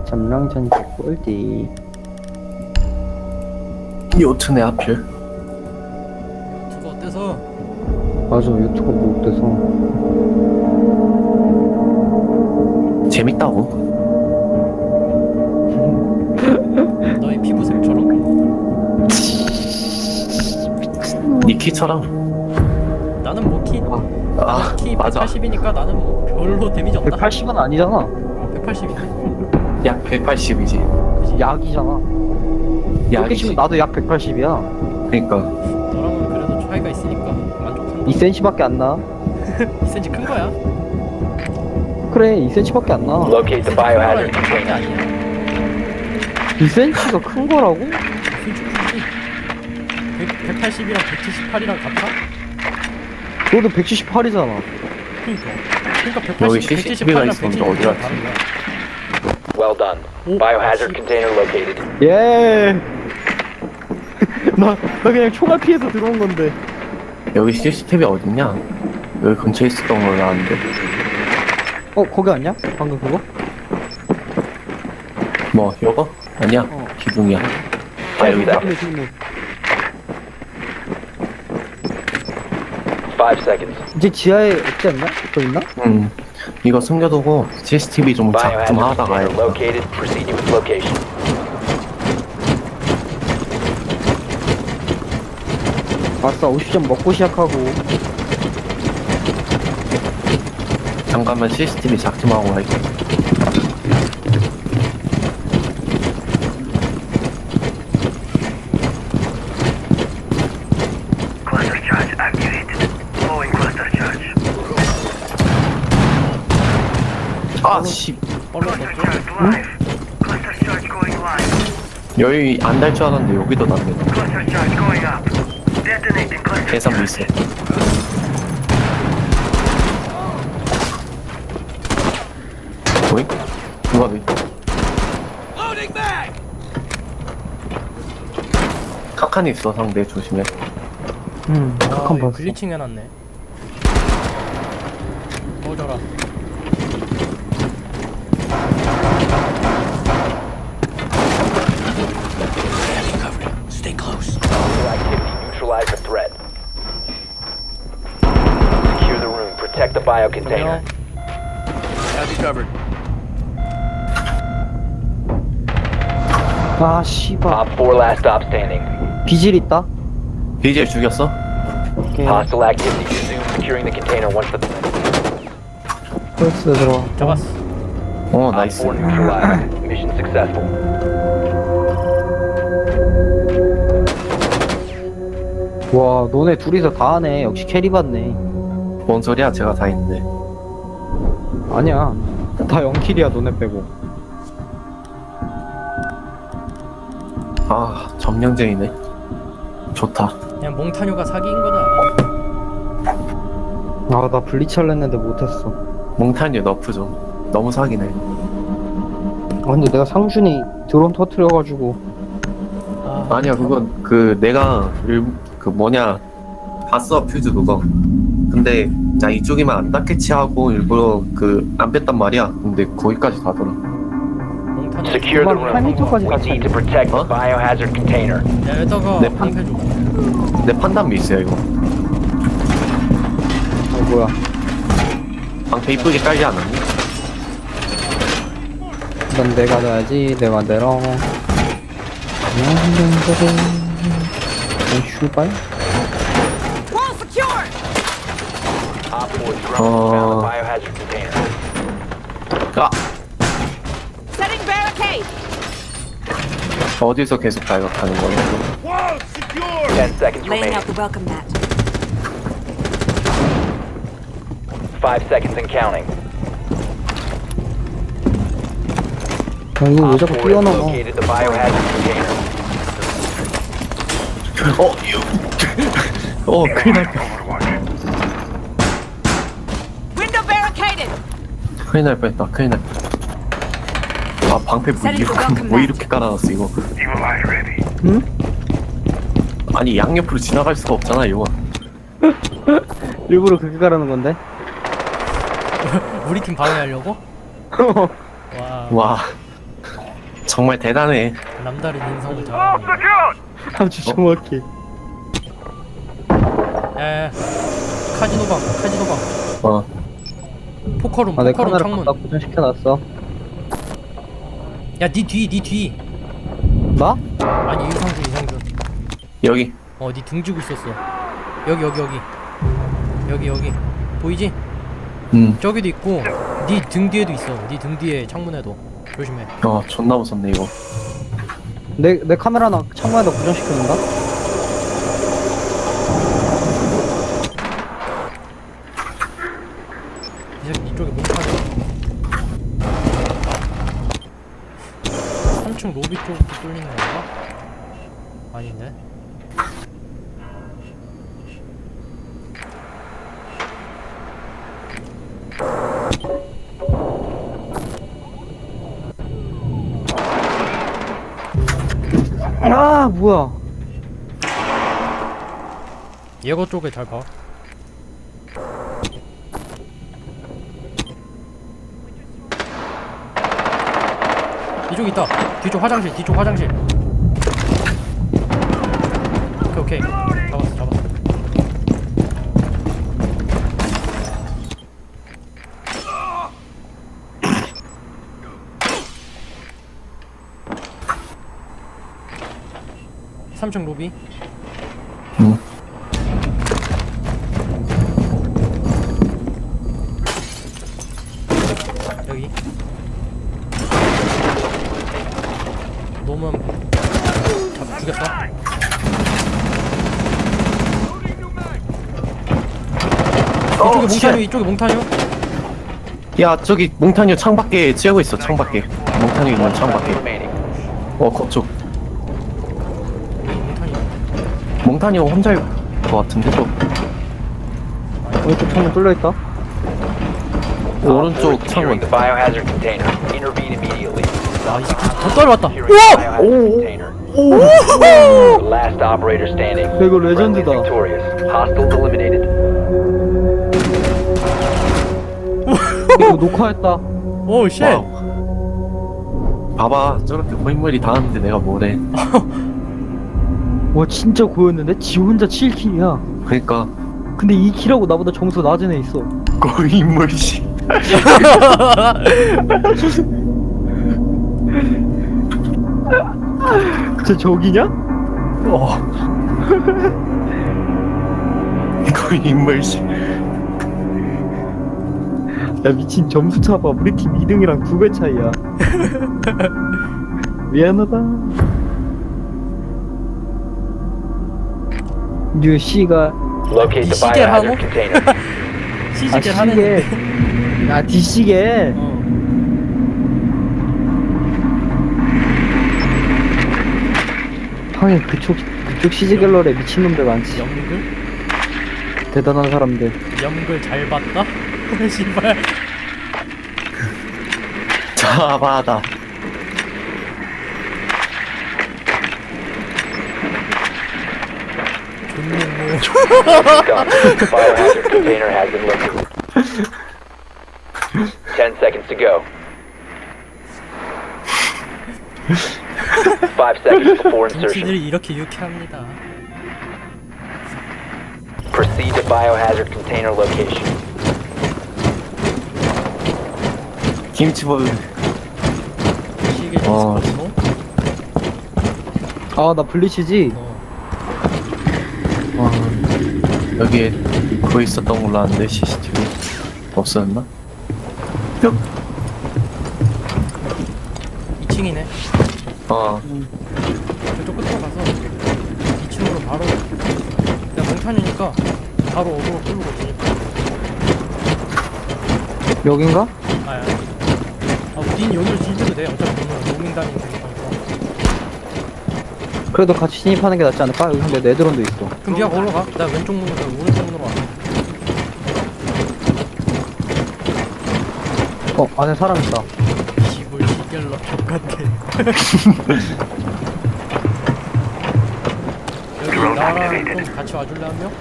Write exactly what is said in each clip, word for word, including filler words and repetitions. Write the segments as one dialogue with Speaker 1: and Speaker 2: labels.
Speaker 1: 점령전지 꼴디.
Speaker 2: 요트네 하필.
Speaker 3: 유튜브 어때서?
Speaker 1: 맞아, 유튜브 뭐 어때서?
Speaker 2: 재밌다고.
Speaker 3: 너의 피부색처럼?
Speaker 2: 니 키처럼.
Speaker 3: 나는 뭐 키,
Speaker 2: 아
Speaker 3: 나는 키
Speaker 2: 맞아.
Speaker 3: 백팔십이니까 나는 뭐 별로 데미지 없다.
Speaker 1: 백팔십은 아니잖아.
Speaker 3: 백팔십인데?
Speaker 2: 약 백팔십이지.
Speaker 3: 그치?
Speaker 1: 약이잖아. 이렇게
Speaker 2: 약이지.
Speaker 1: 치면 나도 약 백팔십이야.
Speaker 2: 그러니까.
Speaker 3: 너랑은 그래도 차이가 있으니까 만족한다.
Speaker 1: 이 센티미터밖에 안 나.
Speaker 3: 이 센티미터 큰 거야?
Speaker 1: 그래, 이 센티미터밖에 안 나.
Speaker 4: Locate the biohazard
Speaker 3: 큰
Speaker 4: container.
Speaker 3: 아니야.
Speaker 1: 이 센티미터가 큰 거라고?
Speaker 3: 진짜 크지? 백팔십이랑 백칠십팔이랑 같아?
Speaker 1: 너도 백칠십팔이잖아.
Speaker 3: 그니까. 그니까
Speaker 2: 여기
Speaker 3: 백팔십,
Speaker 2: 씨씨티비가
Speaker 3: 백칠십팔이랑
Speaker 2: 있었는데 어디
Speaker 3: 백칠십팔이랑
Speaker 2: 갔지?
Speaker 3: 다른 거야.
Speaker 4: Well done.
Speaker 3: 오,
Speaker 4: Biohazard
Speaker 3: 씨.
Speaker 4: container located.
Speaker 1: 예. 나, 나 그냥 총알 피해서 들어온 건데.
Speaker 2: 여기 씨씨티비 어딨냐? 여기 근처에 있었던 걸로 아는데.
Speaker 1: 어, 거기 아니야? 방금 그거?
Speaker 2: 뭐 요거? 아니야.
Speaker 1: 어.
Speaker 2: 기둥이야. 아 여기다.
Speaker 1: 지금, 지금.
Speaker 4: Five seconds.
Speaker 1: 이제 지하에 없지 않나? 더 있나?
Speaker 2: 음. 이거 숨겨두고 씨씨티비 좀 작 좀
Speaker 4: Biohazard
Speaker 2: 하다가
Speaker 4: container
Speaker 2: 해요.
Speaker 4: located. Proceed to its location.
Speaker 1: 아싸, 오십 점 먹고 시작하고.
Speaker 2: 잠깐만 씨씨티비 작 좀 하고 할게.
Speaker 5: Cluster charge activated. Flowing cluster charge.
Speaker 2: 아 씨.
Speaker 3: 얼른
Speaker 5: Cluster
Speaker 3: 넣었죠?
Speaker 5: charge live. Cluster charge going live.
Speaker 2: 여기 안 달 줄 알았는데 여기도 났네.
Speaker 5: Cluster charge going up. Detonating cluster
Speaker 2: 계산
Speaker 5: charge.
Speaker 2: 미스. 뭐이? 누가 왜? 카칸이 있어 상대 조심해.
Speaker 1: 음,
Speaker 3: 아,
Speaker 1: 극한
Speaker 3: 이거
Speaker 1: 봤어.
Speaker 3: 글리칭 해놨네. 꺼져라.
Speaker 4: Hostile activity. Neutralize the threat. Secure the room. Protect the bio container.
Speaker 1: 아, 씨발.
Speaker 4: Op four last stop standing.
Speaker 1: 비질 있다?
Speaker 2: 비젤 죽였어?
Speaker 1: 오케이.
Speaker 4: Hostile activity. Resume securing the container once the
Speaker 1: 프레스 들어와.
Speaker 3: 잡았어.
Speaker 2: 어
Speaker 4: Op
Speaker 2: 나이스.
Speaker 4: four neutralized. Mission successful.
Speaker 1: 와, 너네 둘이서 다 하네. 역시 캐리 받네.
Speaker 2: 뭔 소리야 제가 다 했는데.
Speaker 1: 아니야. 다 영킬이야, 너네 빼고.
Speaker 2: 아 점령쟁이네. 좋다.
Speaker 3: 그냥 몽타뉴가 사기인 거다.
Speaker 1: 아, 나 블리치 할려 했는데 못했어.
Speaker 2: 몽타뉴 너프 좀. 너무 사기네.
Speaker 1: 아, 근데 내가 상준이 드론 터트려가지고.
Speaker 3: 아,
Speaker 2: 아니야 그건 그 내가 일, 그 뭐냐 봤어 퓨즈 그거. 근데 나 이쪽이만 안 닿겠지 하고 일부러 그 안 뺐단 말이야. 근데 거기까지 가더라.
Speaker 3: 몽타뉴.
Speaker 4: Secure the
Speaker 1: 팔
Speaker 4: room.
Speaker 1: 미터까지
Speaker 4: We need to protect the
Speaker 2: Huh?
Speaker 4: biohazard container.
Speaker 3: 야, 여기다가
Speaker 2: 내 판-
Speaker 3: 방패 줘.
Speaker 2: 내 판단 미스야 이거.
Speaker 1: 아, 뭐야.
Speaker 2: 방패 이쁘게 깔지 않았니?
Speaker 1: 난 내가 넣어야지, 내 맘대로. 슈발?
Speaker 4: Op four drone
Speaker 2: Oh.
Speaker 4: found the biohazard container.
Speaker 2: 아
Speaker 6: Setting barricade.
Speaker 2: 어디서 계속 발각하는 거야?
Speaker 4: Ten seconds
Speaker 6: Laying
Speaker 4: remaining.
Speaker 6: out the welcome mat.
Speaker 4: Five seconds and counting.
Speaker 1: 아, 이거 왜
Speaker 4: Op
Speaker 1: 자꾸
Speaker 4: four has
Speaker 1: 뛰어넘어.
Speaker 4: located the biohazard container.
Speaker 2: 어 이거. 어 큰일 날 뻔.
Speaker 6: Window barricaded.
Speaker 2: 큰일 날 뻔했다. 큰일 날 뻔. 아 방패 뭐 이렇게 뭐 이렇게 깔아놨어 이거.
Speaker 5: Evil eye ready.
Speaker 1: 응?
Speaker 2: 아니 양옆으로 지나갈 수가 없잖아 이거.
Speaker 1: 일부러 그렇게 가라는 건데?
Speaker 3: 우리 팀 방해하려고? 와.
Speaker 2: 와 정말 대단해.
Speaker 3: 남다른 인성을
Speaker 5: All
Speaker 3: 자랑해.
Speaker 5: secured!
Speaker 1: 아주 정확해.
Speaker 3: 야야 카지노방 카지노방
Speaker 2: 어.
Speaker 3: 포커룸
Speaker 1: 아, 내
Speaker 3: 포커룸
Speaker 1: 카메라
Speaker 3: 창문.
Speaker 1: 갖다 고정시켜놨어.
Speaker 3: 야 니 뒤 니 뒤.
Speaker 1: 나?
Speaker 3: 아니 이상준 이상준.
Speaker 2: 여기.
Speaker 3: 어 니 등 지고 있었어. 여기 여기 여기 여기 여기 보이지?
Speaker 2: 음.
Speaker 3: 저기도 있고 니 등 뒤에도 있어. 니 등 뒤에 창문에도 조심해.
Speaker 2: 어 존나 무섭네 이거.
Speaker 1: 내, 내 카메라 나 창문에다 고정시켜놓는다?
Speaker 3: 이 새끼 이쪽에 못 타네. 삼 층 로비 쪽부터 뚫리는 건가? 아닌데?
Speaker 1: 아, 뭐야.
Speaker 3: 예거 쪽에 잘 봐. 이쪽 있다. 뒤쪽 화장실, 뒤쪽 화장실. 오케이, 오케이. 잡았어, 잡았어. 삼 층 로비.
Speaker 2: 음.
Speaker 3: 여기. 놓으면 잡 죽였다. 이쪽에 몽타뉴, 이쪽에 몽타뉴.
Speaker 2: 야 저기 몽타뉴 창밖에 찌우고 있어. 창밖에. 몽타뉴 있는 창밖에.
Speaker 4: Remaining.
Speaker 2: 어 그쪽.
Speaker 3: 여기 몽타뉴.
Speaker 2: 몽타뉴 혼자일 것 같은데 저.
Speaker 1: 오른쪽 창문 뚫려있다.
Speaker 2: 오른쪽
Speaker 4: Securing
Speaker 2: 창문.
Speaker 4: the biohazard container. Intervene immediately.
Speaker 3: 아, 이 새끼 더 떨어왔다.
Speaker 4: Securing the biohazard container. The last operator standing.
Speaker 1: 이거 레전드다.
Speaker 4: Friendly victorious. Hostiles eliminated.
Speaker 1: 이거 녹화했다.
Speaker 3: 오, 쉣.
Speaker 2: 와우. 봐봐 저렇게 고인물이 다 하는데 내가 뭐래.
Speaker 1: 와, 진짜 고였는데? 지 혼자 칠 킬이야.
Speaker 2: 그러니까
Speaker 1: 근데 이 킬하고 나보다 점수 낮은 애 있어.
Speaker 2: 고인물씨.
Speaker 1: 진짜 저기냐?
Speaker 2: 어. 고인물씨.
Speaker 1: 야, 미친 점수 차봐. 우리 팀 이 등이랑 두 배 차이야. 미안하다. 뉴 씨가
Speaker 4: Locate the
Speaker 3: 시계
Speaker 4: biohazard
Speaker 3: 하고?
Speaker 4: container.
Speaker 1: 아
Speaker 3: 시식을
Speaker 1: 시계
Speaker 3: 하는데.
Speaker 1: 아 뒤시계
Speaker 3: 어.
Speaker 1: 하긴 그쪽 그쪽 시즈 갤러리에 미친놈들 많지.
Speaker 3: 연글?
Speaker 1: 대단한 사람들.
Speaker 3: 연글 잘 봤다? 씨발.
Speaker 2: 자바다.
Speaker 3: 존나 뭐.
Speaker 4: Done. Biohazard container has been located. Ten seconds to go. Five seconds before insertion.
Speaker 3: 정치들이 이렇게 유쾌합니다.
Speaker 4: Proceed to biohazard container location.
Speaker 2: 김치볼.
Speaker 3: 시계
Speaker 2: 어.
Speaker 3: 디스코스모?
Speaker 1: 아 나 블리치지.
Speaker 3: 어.
Speaker 2: 와 여기에 그거 있었던 걸로 아는데 씨씨티비 없었나? 뿅.
Speaker 3: 이 층이네.
Speaker 2: 어.
Speaker 3: 저쪽 끝으로 가서 이 층으로 바로. 내가 몽탄이니까 바로 어그로 끌고 오니까.
Speaker 1: 여긴가?
Speaker 3: 아야. 아, 닌 여기로 진입해도 돼. 어차피 오늘 로밍 다니는 거니까.
Speaker 1: 그래도 같이 진입하는 게 낫지 않을까? 여기 근데 네드론도 있어.
Speaker 3: 그럼 니가 거기로 가. 나 왼쪽 문으로 가. 오른쪽 문으로 와.
Speaker 1: 어 안에 사람 있다.
Speaker 3: 집을 시결러 똑같아. 여기 나랑 좀 같이 와줄래 한 명?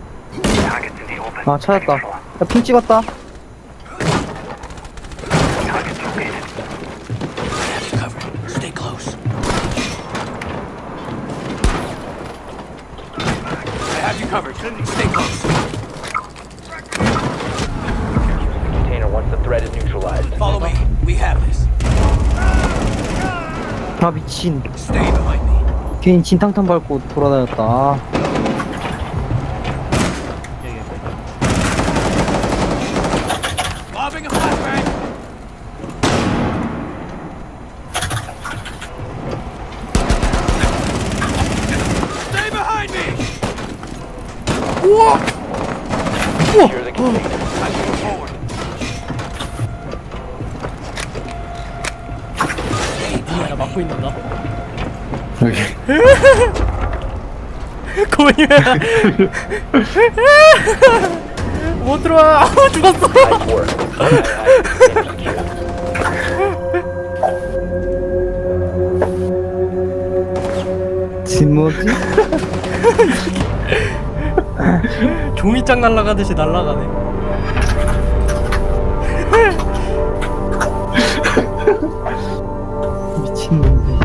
Speaker 5: Targets in the open.
Speaker 1: 아 찾았다. 야, 핑 찍었다.
Speaker 5: Target's located.
Speaker 7: Stay close. I have you covered. Stay close.
Speaker 4: Container once the threat is neutralized.
Speaker 7: Follow me. We have this.
Speaker 1: 아 미친.
Speaker 7: Stay behind me.
Speaker 1: 괜히 진탕탕 밟고 돌아다녔다. 아.
Speaker 7: Lobbing a flashbang. Stay behind me.
Speaker 4: Secure the container.
Speaker 7: I'm moving forward.
Speaker 3: 야 막고 있는다.
Speaker 2: 여기.
Speaker 3: 고민이 못 들어와. 죽었어.
Speaker 4: Nice work. Container secure.
Speaker 1: 진모지?
Speaker 3: 종이장 날아가듯이 날아가네.
Speaker 1: 미친놈들.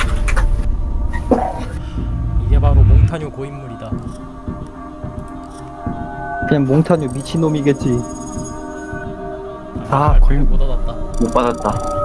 Speaker 3: 이게 바로 몽타뉴 고인물이다.
Speaker 1: 그냥 몽타뉴 미친놈이겠지.
Speaker 2: 아, 거의
Speaker 3: 못 얻었다.
Speaker 2: 못 받았다.